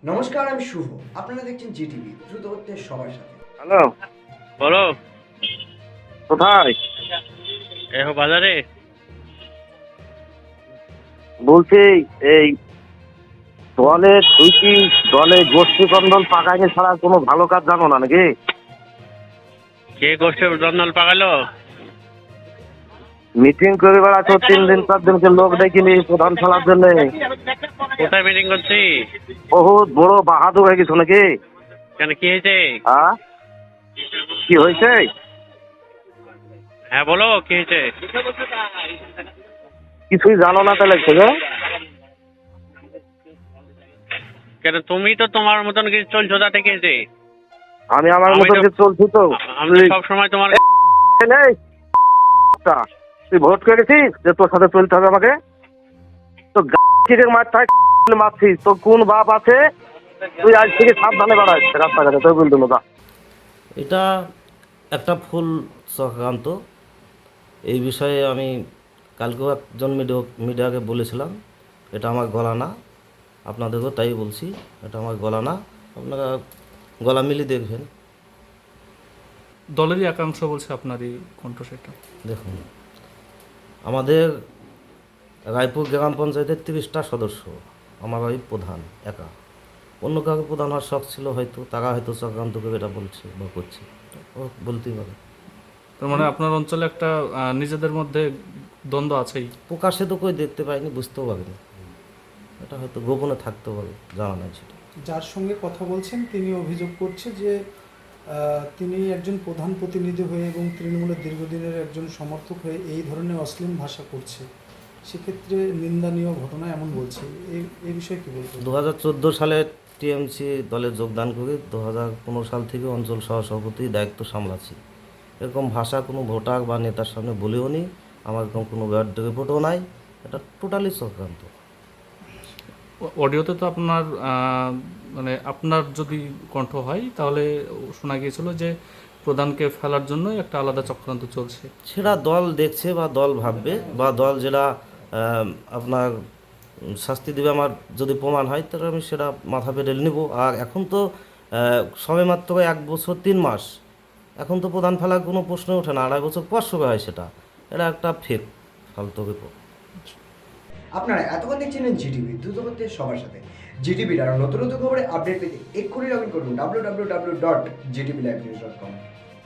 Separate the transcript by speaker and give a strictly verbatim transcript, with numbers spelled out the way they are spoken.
Speaker 1: নমস্কার, আমি শুভ। আপনারা দেখছেন জিটিভি, দ্রুত হচ্ছে সবার সাথে।
Speaker 2: হ্যালো,
Speaker 3: বলো।
Speaker 2: কোথায়?
Speaker 3: এহো বাজারে।
Speaker 2: বলছি এই দলে তুই কি দলে গোষ্ঠী কন্দল পাকাইনি ছাড়া কোনো ভালো কাজ জানো না নাকি?
Speaker 3: কে গোষ্ঠী দ্বন্দ্ব পাকালো?
Speaker 2: মিটিং করে বেড়াচ্ছ তিন দিন চার দিনকে লোক দেখিনি প্রধান খেলার জন্য।
Speaker 3: কোথায় মিটিং করছি?
Speaker 2: বহুত বড় বাহাদুর হয়ে গেছো নাকি?
Speaker 3: কেন, কি হয়েছে?
Speaker 2: হ্যাঁ, কি হয়েছে?
Speaker 3: হ্যাঁ বলো, কি হয়েছে?
Speaker 2: কিছুই জানো না তাহলে থেকে?
Speaker 3: কেন, তুমি তো তোমার মতন কিছু চলছো, তাতে কি হয়েছে?
Speaker 2: আমি আমার
Speaker 3: আমি
Speaker 2: মতো
Speaker 3: তো-
Speaker 2: চলছি তো।
Speaker 3: আমি তো সবসময় তোমার
Speaker 2: এই, তুই ভোট করে গেছিস যে তোর সাথে চলতে হবে আমাকে? তো গাছের মাথায় মারছিস, তোর কোন বাপ আছে? তুই আজ থেকে সাবধানে বাড়াইস রাস্তাঘাটে, তোর বলতো না।
Speaker 4: এটা একটা ফুল চক্রান্ত। এই বিষয়ে আমি কালকেও একজন মিডিয়া মিডিয়াকে বলেছিলাম, এটা আমার গলা না। আপনাদেরকেও তাই বলছি, এটা আমার গলা না। আপনারা গলা মিলিয়ে দেখবেন।
Speaker 5: দলেরই একাংশ বলছে আপনার এই কণ্ঠস্বরটা।
Speaker 4: দেখুন, আমাদের রায়পুর গ্রাম পঞ্চায়েতের তিরিশটা সদস্য, আমার ওই প্রধান একা। অন্য কাউকে প্রধান হওয়ার শখ ছিল হয়তো, তারা হয়তো চক্রান্ত করে এটা বলছে বা করছে, ও বলতেই পারে।
Speaker 5: তার মানে আপনার অঞ্চলে একটা আহ, নিজেদের মধ্যে দ্বন্দ্ব আছেই।
Speaker 4: প্রকাশ্যে তো কই দেখতে পাইনি, বুঝতেও পারিনি। এটা হয়তো গোপনে থাকতেও পারে, জানা নাই সেটা।
Speaker 6: যার সঙ্গে কথা বলছেন তিনি অভিযোগ করছে যে আহ, তিনি একজন প্রধান প্রতিনিধি হয়ে এবং তৃণমূলের দীর্ঘদিনের একজন সমর্থক হয়ে এই ধরনের অশ্লীল ভাষা করছে, সেক্ষেত্রে নিন্দনীয় ঘটনা এমন বলছে। এই এই বিষয়ে কী বলবেন?
Speaker 4: দু হাজার চোদ্দো সালে টিএমসি দলে যোগদান করে দু হাজার পনেরো সাল থেকে অঞ্চল সহসভাপতির দায়িত্ব সামলাচ্ছি। এরকম ভাষা কোনো ভোটার বা নেতার সামনে বলেও নি, আমার এরকম কোনো ব্যাড রিপোর্টও নাই। এটা টোটালি চক্রান্ত।
Speaker 5: ও- অডিওতে তো আপনার আহ, মানে আপনার যদি কণ্ঠ হয় তাহলে শোনা গিয়েছিল যে প্রধানকে ফেলার জন্যই একটা আলাদা চক্রান্ত চলছে।
Speaker 4: সেটা দল দেখছে বা দল ভাববে, বা দল যেটা আহ, আপনার উম, শাস্তি দেবে আমার যদি প্রমাণ হয়, তাহলে আমি সেটা মাথা পেতে নেব। আর এখন তো আহ, সবে মাত্র এক বছর তিন মাস, এখন তো প্রধান ফেলার কোনো প্রশ্ন ওঠে না। আড়াই বছর পর সবে হয় সেটা। এটা একটা ফেক ফালতু রিপোর্ট।
Speaker 1: আপনারা এতক্ষণ দেখছিলেন জিটিভি, দ্রুত হচ্ছে সবার সাথে। জিটিভির আরও নতুন নতুন খবরে আপডেট পেতে এক্ষুনি লগ ইন করুন W W W dot GTV live news dot কম।